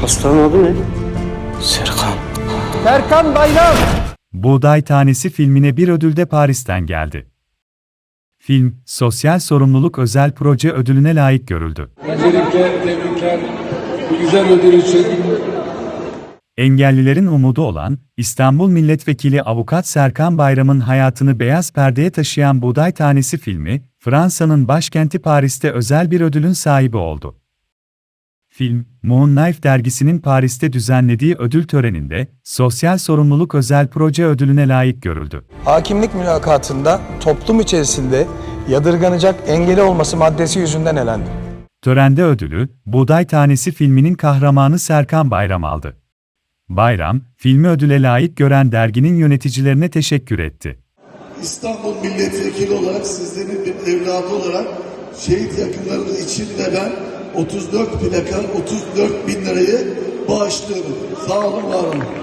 Ustanın adı ne? Serkan. Serkan Bayram. Buğday Tanesi filmine bir ödül de Paris'ten geldi. Film, Sosyal Sorumluluk Özel Proje ödülüne layık görüldü. Öncelikle tebrikler bu güzel ödül için. Engellilerin umudu olan, İstanbul Milletvekili Avukat Serkan Bayram'ın hayatını beyaz perdeye taşıyan Buğday Tanesi filmi, Fransa'nın başkenti Paris'te özel bir ödülün sahibi oldu. Film, Moon Knife dergisinin Paris'te düzenlediği ödül töreninde, Sosyal Sorumluluk Özel Proje ödülüne layık görüldü. Hakimlik mülakatında toplum içerisinde yadırganacak engeli olması maddesi yüzünden elendi. Törende ödülü, Buğday Tanesi filminin kahramanı Serkan Bayram aldı. Bayram, filmi ödüle layık gören derginin yöneticilerine teşekkür etti. İstanbul Milletvekili olarak, sizlerin bir evladı olarak şehit yakınlarımız için de ben 34 plaka 34 bin lirayı bağışlıyorum. Sağ olun, var olun.